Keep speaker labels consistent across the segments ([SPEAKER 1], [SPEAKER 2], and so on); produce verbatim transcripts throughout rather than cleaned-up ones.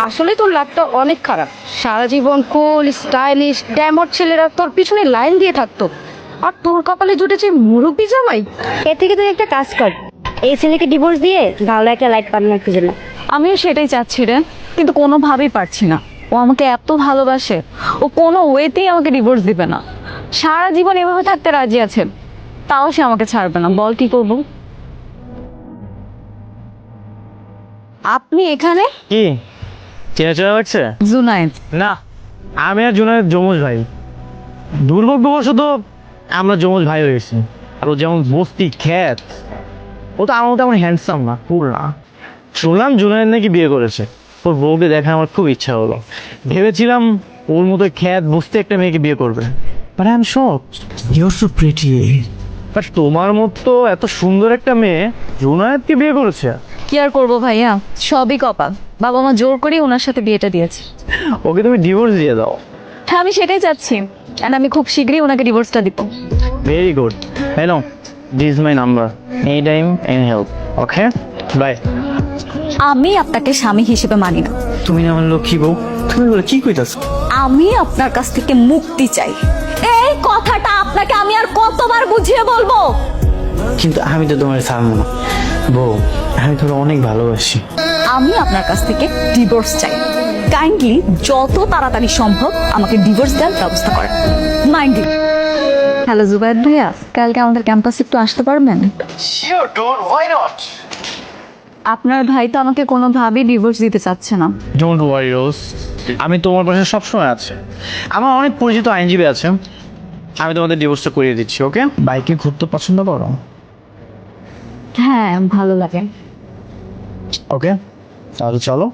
[SPEAKER 1] আসলে তোর লাকটা অনেক খারাপ। সারা জীবন কুল স্টাইলিশ ড্যামর ছেলেরা তোর পিছনে লাইন দিয়ে থাকতো, আর তোর কপালে জুটেছে মুরব্বি জামাই।
[SPEAKER 2] এর থেকে তুই একটা কাজ কর, এই ছেলেকে ডিভোর্স দিয়ে ভালো একটা লাইফ পার্টনার খুঁজে না।
[SPEAKER 3] আমিও সেটাই চাচ্ছি রে, কিন্তু কোনোভাবেই পারছি না। ও আমাকে এত ভালোবাসে, ও কোনো ওয়েতেই আমাকে ডিভোর্স দিবে না। সারা জীবন এভাবে থাকতে রাজি আছে, তাও সে আমাকে ছাড়বে না। বল কি করবো? আপনি এখানে?
[SPEAKER 4] কি চেনা চেনা লাগছে?
[SPEAKER 3] জুনায়েদ।
[SPEAKER 4] না, আমি আর জুনায়েদ যমজ ভাই। দুর্ভাগ্যবশত আমরা যমজ ভাই হয়েছি। আর ও যেমন বস্তি খ্যাত, ও তো আমার তেমন হ্যান্ডসাম না, ফুল না। শুনলাম জুনায়েদ নাকি বিয়ে করেছে। ওর বউকে দেখা আমার খুব ইচ্ছা হলো। ভেবেছিলাম ওর মতো খ্যাত বস্তি একটা মেয়েকে বিয়ে করবে। But I am shocked, you are so pretty. But তোমার মতো এত সুন্দর একটা মেয়ে জুনায়েদকে বিয়ে করেছে।
[SPEAKER 3] কি আর করবো ভাইয়া, সবই কপাল। বাবা মা জোর করে ওনার সাথে বিয়েটা দিয়েছে।
[SPEAKER 4] ওকে তুমি ডিভোর্স দিয়ে দাও।
[SPEAKER 3] হ্যাঁ, আমি সেটাই চাচ্ছি, অ্যান্ড আমি খুব শীঘ্রই ওনাকে ডিভোর্সটা দিব।
[SPEAKER 4] Very good. Hello, this is my number, any time any help. Okay, bye.
[SPEAKER 3] আমি আপনাকে স্বামী হিসেবে মানি না।
[SPEAKER 4] তুমি না আমার লক্ষ্মী বউ, তুমি বলে কি কইতাছ?
[SPEAKER 3] আমি আপনার কাছ থেকে মুক্তি চাই। এই কথাটা আপনাকে আমি আর কতবার বুঝিয়ে বলবো?
[SPEAKER 4] কিন্তু আমি তো তোমার ছাড়বো না বউ, আমি তোরা অনেক ভালোবাসি।
[SPEAKER 3] আমি আপনার কাছ থেকে ডিভোর্স চাই। কাইন্ডলি যত তাড়াতাড়ি সম্ভব আমাকে ডিভোর্স দেওয়ার ব্যবস্থা করেন। Mind you. হ্যালো জুবাইর ভাইয়া, কালকে আমাদের ক্যাম্পাসে একটু আসতে পারবেন?
[SPEAKER 4] Sure don't, why not?
[SPEAKER 3] আপনার ভাই তো আমাকে কোনোভাবেই ডিভোর্স দিতে চাচ্ছে না।
[SPEAKER 4] ডোন্ট ওয়ারি রোজ, আমি তোমার পাশে সবসময় আছি। আমার অনেক পরিচিত আইনজীবী আছে, আমি তোমাদের ডিভোর্সটা করিয়ে দিচ্ছি। ওকে? বাইকে ঘুরতে পছন্দ করো?
[SPEAKER 3] হ্যাঁ, ভালো লাগে।
[SPEAKER 4] ওকে, তাহলে চলো।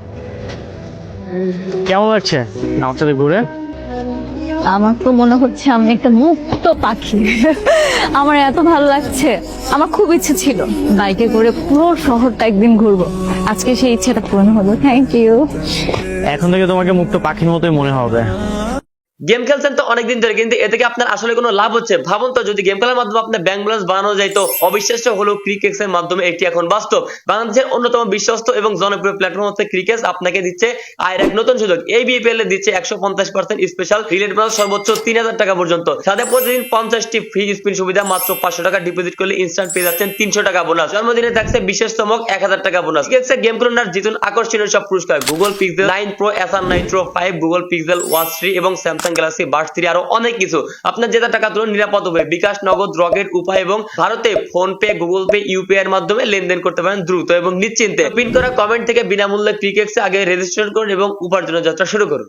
[SPEAKER 4] কেমন লাগছে আমার সাথে ঘুরে?
[SPEAKER 3] আমার তো মনে হচ্ছে আমি একটা মুক্ত পাখি। আমার এত ভালো লাগছে। আমার খুব ইচ্ছে ছিল বাইকে করে পুরো শহরটা একদিন ঘুরবো। আজকে সেই ইচ্ছেটা পূরণ হলো। Thank you.
[SPEAKER 4] এখন থেকে তোমাকে মুক্ত পাখির মতোই মনে হবে।
[SPEAKER 5] গেম খেলছেন তো অনেকদিন ধরে, কিন্তু এ থেকে আপনার আসলে কোনো লাভ হচ্ছে? ভাবুন তো, যদি গেম খেলার মাধ্যমে আপনার ব্যাংক ব্যালেন্স বানানো যায়, তো অবিশ্বাস্য হলেও ক্রিকেক্স এর মাধ্যমে এটি এখন বাস্তব। বাংলাদেশের অন্যতম বিশ্বস্ত এবং জনপ্রিয় প্ল্যাটফর্ম হচ্ছে ক্রিকেক্স আপনাকে দিচ্ছে আয়ের এক নতুন সুযোগ। এই বিপিএল এ দিচ্ছে একশো পঞ্চাশ পার্সেন্ট স্পেশাল রিলেট বোনাস সর্বোচ্চ তিন হাজার টাকা পর্যন্ত। সাথে প্রতিদিন পঞ্চাশটি ফ্রি স্পিন সুবিধা, মাত্র পাঁচশো টাকা ডিপোজিট করলে ইনস্ট্যান্ট পেয়ে যাচ্ছেন তিনশো টাকা বোনাস। জন্মদিনে থাকছে বিশেষ চমক এক হাজার টাকা বোনাস। ক্রিকেক্সে গেম খেলুন আর জিতুন আকর্ষণীয় সব পুরস্কার: Google Pixel nine Pro, Acer Nitro five, Google Pixel Watch three এবং স্যামসাং গ্যালাক্সি বাডস থ্রি, আরো অনেক কিছু। আপনার জেতা টাকা তুলুন নিরাপদ হবে বিকাশ, নগদ, রকেট উপায় এবং ভারতে PhonePe, Google Pay, UPI এর মাধ্যমে লেনদেন করতে পারেন দ্রুত এবং নিশ্চিন্তে। পিন করা কমেন্ট থেকে বিনামূল্যে ক্রিকেক্সে আগে রেজিস্ট্রেশন করুন এবং উপার্জনের যাত্রা শুরু করুন।